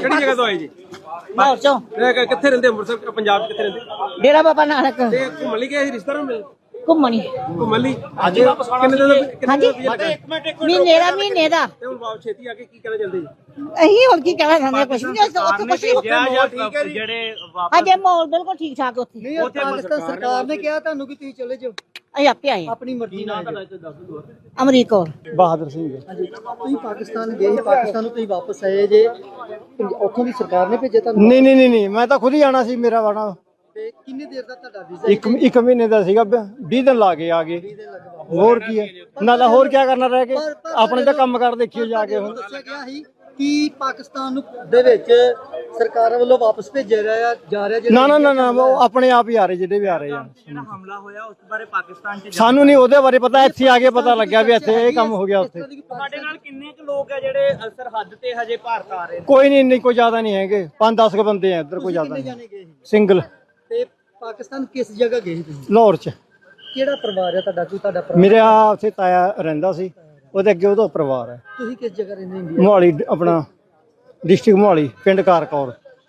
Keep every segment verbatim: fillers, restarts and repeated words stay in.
ਕਿਹੜੀ ਜਗ੍ਹਾ ਤੋਂ ਆਏ ਜੀ? ਲਾਹੌਰ ਚੋਂ। ਕਿੱਥੇ ਰਹਿੰਦੇ ਅੰਮ੍ਰਿਤਸਰ ਪੰਜਾਬ ਚ? ਕਿੱਥੇ ਰਹਿੰਦੇ? ਡੇਰਾ ਬਾਬਾ ਨਾਨਕ। ਤੇ ਘੁੰਮਣ ਲਈ ਗਏ ਸੀ ਰਿਸ਼ਤੇਦਾਰਾਂ ਨੂੰ ਮਿਲ? ਘੁੰਮਣੀ। ਘੁੰਮਣ ਲਈ ਅੱਜ ਵਾਪਸ ਆਣਾ? ਕਿੰਨੇ ਦਿਨ? ਹਾਂਜੀ ਮਹੀਨੇ ਦਾ ਮਹੀਨੇ ਦਾ। ਤੇ ਹੁਣ ਵਾਪਸ ਛੇਤੀ ਆ ਕੇ ਕੀ ਕਹਿਣਾ ਚਾਹੁੰਦੇ ਜੀ? ਅਸੀਂ ਹੁਣ ਕੀ ਕਹਿਣਾ ਚਾਹੁੰਦੇ ਕੁਛ ਨਹੀਂ ਉੱਥੇ ਕੁਛ ਨਹੀਂ ਜਿਹੜੇ ਅਜੇ ਮਾਹੌਲ ਬਿਲਕੁਲ ਠੀਕ ਠਾਕ ਉੱਥੇ। ਉੱਥੇ ਪਾਕਿਸਤਾਨ ਸਰਕਾਰ ਨੇ ਕਿਹਾ ਤੁਹਾਨੂੰ ਕਿ ਤੁਸੀਂ ਚਲੇ ਜਾਓ ਅਸੀਂ ਆਪੇ ਆਏ ਆਪਣੀ ਮਰਜ਼ੀ ਨਾਲ। ਅਮਰੀਕ ਕੌਰ। ਬਹਾਦਰ ਸਿੰਘ ਤੁਸੀਂ ਪਾਕਿਸਤਾਨ ਗਏ, ਪਾਕਿਸਤਾਨ ਨੂੰ ਤੁਸੀਂ ਵਾਪਸ ਆਏ ਜੇ, ਉੱਥੋਂ ਦੀ ਸਰਕਾਰ ਨੇ ਭੇਜਿਆ ਤੁਹਾਨੂੰ? ਨਹੀਂ ਨਹੀਂ ਨਹੀਂ ਮੈਂ ਤਾਂ ਖੁਦ ਹੀ ਆਣਾ ਸੀ। ਮੇਰਾ ਵਾਣਾ ਤੇ ਕਿੰਨੇ ਦੇਰ ਦਾ ਤੁਹਾਡਾ ਵੀਜ਼ਾ? ਇੱਕ ਇੱਕ ਮਹੀਨੇ ਦਾ ਸੀਗਾ, ਵੀਹ ਦਿਨ ਲਾ ਕੇ ਆ ਗਏ। ਹੋਰ ਕੀ ਹੈ ਨਾਲੇ ਹੋਰ ਕੀ ਕਰਨਾ ਰਹਿ ਕੇ, ਆਪਣੇ ਤਾਂ ਕੰਮ ਕਰ ਦੇਖਿਓ ਜਾ ਕੇ। ਹੁਣ ਦੱਸਿਆ ਗਿਆ ਸੀ ਕਿ ਪਾਕਿਸਤਾਨ ਨੂੰ ਦੇ ਵਿੱਚ ਸਰਕਾਰਾਂ ਵੱਲੋਂ ਵਾਪਸ ਭੇਜਿਆ ਰਿਹਾ ਜਾ ਰਿਹਾ। ਨਾ ਨਾ ਨਾ ਨਾ ਉਹ ਆਪਣੇ ਆਪ ਹੀ ਆ ਰਹੇ ਜਿਹੜੇ ਵੀ ਆ ਰਹੇ ਆ। ਜਿਹੜਾ ਹਮਲਾ ਹੋਇਆ ਉਸ ਬਾਰੇ ਪਾਕਿਸਤਾਨ ਚ ਸਾਨੂੰ ਨਹੀਂ ਉਹਦੇ ਬਾਰੇ ਪਤਾ, ਇੱਥੇ ਆ ਕੇ ਪਤਾ ਲੱਗਿਆ ਵੀ ਇੱਥੇ ਇਹ ਕੰਮ ਹੋ ਗਿਆ। ਉੱਥੇ ਤੁਹਾਡੇ ਨਾਲ ਕਿੰਨੇ ਕੁ ਲੋਕ ਆ ਜਿਹੜੇ ਸਰਹੱਦ ਤੇ ਹਜੇ ਭਾਰਤ ਆ ਰਹੇ ਨੇ? ਕੋਈ ਨਹੀਂ, ਇੰਨੀ ਕੋਈ ਜ਼ਿਆਦਾ ਨਹੀਂ ਹੈਗੇ, ਪੰਜ ਦਸ ਕੁ ਬੰਦੇ ਆ ਇੱਧਰ, ਕੋਈ ਜ਼ਿਆਦਾ ਨਹੀਂ। ਸਿੰਗਲ। ਤੇ ਪਾਕਿਸਤਾਨ ਕਿਸ ਜਗ੍ਹਾ ਗਏ ਸੀ ਤੁਸੀਂ? ਲਾਹੌਰ ਚ। ਕਿਹੜਾ ਪਰਿਵਾਰ ਹੈ ਤੁਹਾਡਾ? ਕੋਈ ਤੁਹਾਡਾ ਪਰਿਵਾਰ? ਮੇਰੇ ਆ ਉੱਥੇ ਤਾਇਆ ਰਹਿੰਦਾ ਸੀ, ਉਹਦੇ ਅੱਗੇ ਉਹਦਾ ਪਰਿਵਾਰ ਹੈ। ਤੁਸੀਂ ਕਿਸ ਜਗ੍ਹਾ ਰਹਿੰਦੇ ਇੰਡੀਆ? ਮੋਹਾਲੀ, ਆਪਣਾ डिस्ट्रिक्ट मोहाली, पिंड कारकौर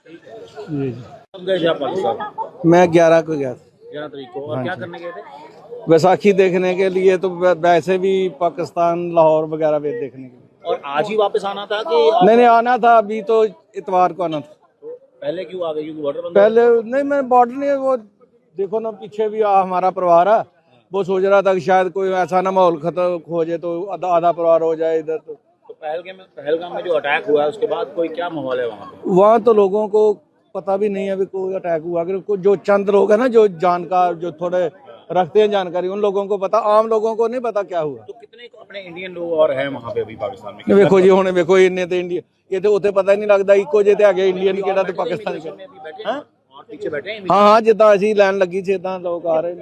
जी जी। मैं ग्यारह को गया था। ग्यारह तारीख को। और क्या करने गए थे? बैसाखी देखने के लिए, तो वैसे भी पाकिस्तान लाहौर वगैरह भी देखने के लिए। और आज ही वापस आना था कि नहीं नहीं आना था, अभी तो इतवार को आना था। पहले क्यों आ गए? क्योंकि बॉर्डर बंद। पहले नहीं, मैं बॉर्डर नहीं, वो देखो ना पीछे भी आ, हमारा परिवार है, वो सोच रहा था कि शायद कोई ऐसा ना माहौल खत्म हो जाए तो आधा आधा परिवार हो जाए इधर। तो पहलगाम में पहलगाम में जो अटैक हुआ है उसके बाद कोई क्या माहौल है वहाँ पे? वहाँ तो लोगों को पता भी नहीं है अभी कोई अटैक हुआ। अगर कोई जो चंद लोग हैं ना, जो जानकार, जो थोड़े रखते हैं जानकारी, उन लोगों को पता, आम लोगों को नहीं पता क्या हुआ। तो कितने अपने इंडियन लोग और हैं वहाँ पे अभी पाकिस्तान में? देखो जी हुणे देखो इन्ने तो इंडिया ये तो उत्थे पता ही नहीं लगता इको जे ते आगे इंडियन केड़ा ते पाकिस्तानी। और पीछे बैठे हैं? हाँ हाँ जिद्दां असीं लैन लगी सी इदां लोग आ रहे।